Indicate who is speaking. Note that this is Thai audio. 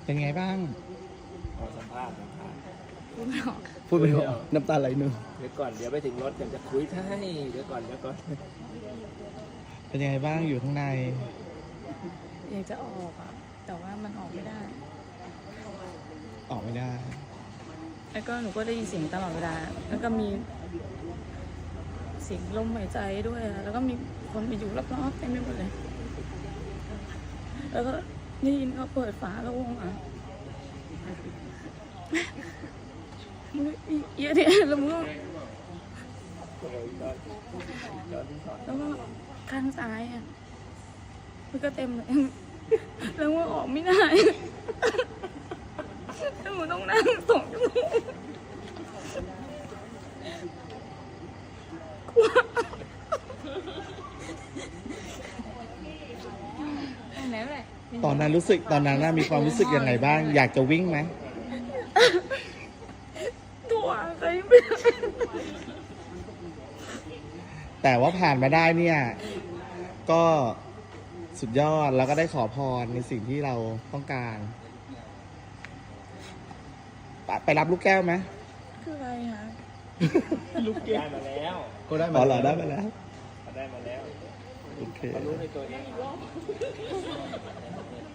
Speaker 1: เป็นไงบ้าง
Speaker 2: ขอสัมภาษณ์นะครับ
Speaker 3: พูดไม่ออก
Speaker 1: พูดไปเถอะน้ำตาไหลหนึ่ง
Speaker 2: เดี๋ยวก่อนเดี๋ยวไปถึงรถยังจะคุยให้เดี๋ยวก่อน
Speaker 1: เป็นยังไงบ้างอยู่ข้างใน
Speaker 3: อยากจะออกอ่ะ แต่ว่ามันออกไม่ได้
Speaker 1: ออกไม่ได้
Speaker 3: แล้วก็หนูก็ได้ยินเสียงตลอดเวลา แล้วก็มีเสียงลมหายใจด้วยอะแล้วก็มีคนไปอยู่รอบๆเต็มไปหมดเลย แล้วก็ได้ยินเขาเปิดฝาแล้ววงอ่ะเยอะเนี่ยแล้วมันก็แล้วก็ข้างซ้ายอ่ะมันก็เต็มเลย แล้วว่าออกไม่ได้แล้วหนูต้องนั่ง2 ชั่วโมง
Speaker 1: ตอนนั้นน่ะมีความรู้สึกยังไงบ้าง อยากจะวิ่งไหม
Speaker 3: ตัวใครไม่ได้
Speaker 1: แต่ว่าผ่านมาได้เนี่ย ก็สุดยอดแล้วก็ได้ขอพรในสิ่งที่เราต้องการ ไปรับลูกแก้วไหม
Speaker 3: คืออะไรคะ
Speaker 1: ลูกแก้ว
Speaker 2: ได้มาแล้ว
Speaker 1: ก็ได้มาแล้วได้มาแล้ว
Speaker 2: ได้มาแล้ว
Speaker 1: โอเค
Speaker 2: เขารู้ในตัวเอง